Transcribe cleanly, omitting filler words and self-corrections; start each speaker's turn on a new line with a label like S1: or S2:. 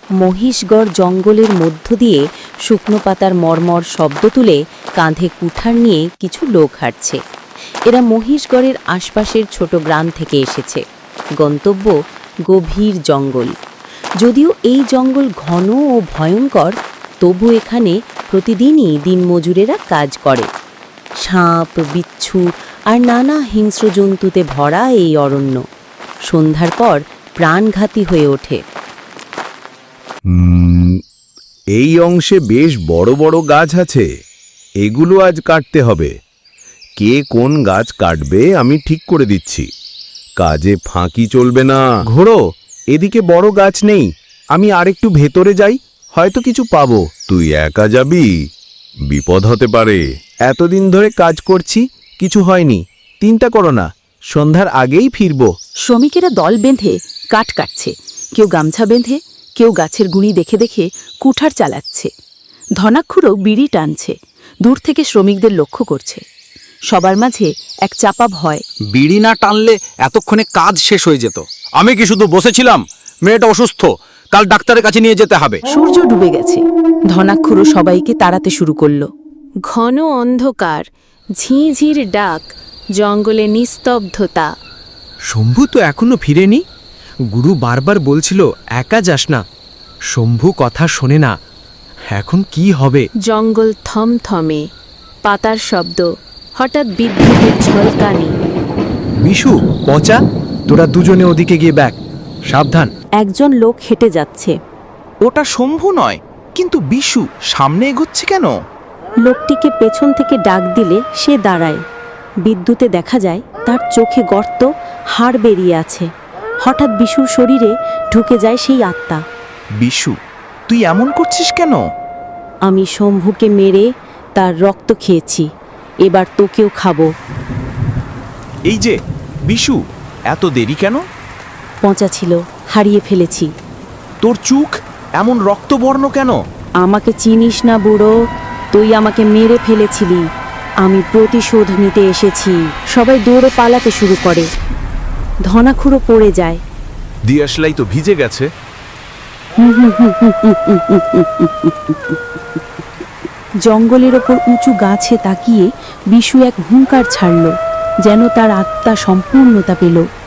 S1: মহিষগড় জঙ্গলের মধ্য দিয়ে শুকনো পাতার মর্মর শব্দ তুলে কাঁধে কুঠার নিয়ে কিছু লোক হাঁটছে। এরা মহিষগড়ের আশপাশের ছোট গ্রাম থেকে এসেছে। গন্তব্য গভীর জঙ্গল। যদিও এই জঙ্গল ঘন ও ভয়ঙ্কর, তবু এখানে প্রতিদিনই দিনমজুরেরা কাজ করে। সাপ, বিচ্ছু আর নানা হিংস্র জন্তুতে ভরা এই অরণ্য সন্ধ্যার পর প্রাণঘাতী হয়ে ওঠে।
S2: এই অংশে বেশ বড় বড় গাছ আছে, এগুলো আজ কাটতে হবে। কে কোন গাছ কাটবে আমি ঠিক করে দিচ্ছি, কাজে ফাঁকি চলবে না। ঘোড়ো, এদিকে বড় গাছ নেই, আমি আরেকটু ভেতরে যাই, হয়তো কিছু পাবো। তুই একা যাবি? বিপদ হতে পারে। এতদিন ধরে কাজ করছি, কিছু হয়নি, চিন্তা করো না, সন্ধ্যার আগেই ফিরবো।
S3: শ্রমিকেরা দল বেঁধে কাঠ কাটছে, কেউ গামছা বেঁধে, কেউ গাছের গুঁড়ি দেখে দেখে কুঠার চালাচ্ছে। ধনাক্ষুরও বিড়ি টানছে, দূর থেকে শ্রমিকদের লক্ষ্য করছে। সবার মাঝে এক চাপা ভয়।
S4: বিড়ি না টানলে এতক্ষণে কাজ শেষ হয়ে যেত। আমি কি শুধু বসেছিলাম? মেয়েটা অসুস্থ, কাল ডাক্তারের কাছে নিয়ে যেতে হবে।
S3: সূর্য ডুবে গেছে। ধনাক্ষুরও সবাইকে তাড়াতে শুরু করলো।
S1: ঘন অন্ধকার, ঝিঁঝির ডাক, জঙ্গলে নিস্তব্ধতা।
S5: শম্ভু তো এখনো ফিরেনি। গুরু বারবার বলছিল একা যাস না, শম্ভু কথা শোনে না। এখন কি হবে?
S1: জঙ্গল থমথমে, পাতার শব্দ, হঠাৎ বিদ্যুতের ঝলকানি।
S5: বিশু, পচা, তোরা দুজনে ওদিকে গিয়ে ব্যাগ, সাবধান।
S1: একজন লোক হেঁটে যাচ্ছে।
S6: ওটা শম্ভু নয়, কিন্তু বিশু সামনে এগোচ্ছে কেন?
S1: লোকটিকে পেছন থেকে ডাক দিলে সে দাঁড়ায়। বিদ্যুতে দেখা যায় তার চোখে গর্ত, হাড় বেরিয়ে আছে। হঠাৎ বিশুর শরীরে ঢুকে যায় সেই আত্মা।
S6: বিশু, তুই এমন করছিস কেন?
S1: আমি শম্ভুকে মেরে তার রক্ত খেয়েছি, এবার তোকেও খাবো।
S6: এই যে বিশু, এত দেরি কেন?
S1: পচা ছিল, হারিয়ে ফেলেছি।
S6: তোর চোখ এমন রক্তবর্ণ কেন?
S1: আমাকে চিনিস না বুড়ো, তুই আমাকে মেরে ফেলেছিলি, আমি প্রতিশোধ নিতে এসেছি। সবাই দৌড়ে পালাতে শুরু করে। ধনাক্ষুরও পড়ে যায়।
S2: দিয়াশলাই তো ভিজে গেছে।
S3: জঙ্গলের ওপর উঁচু গাছে তাকিয়ে বিশু এক হুঙ্কার ছাড়ল, যেন তার আত্মা সম্পূর্ণতা পেল।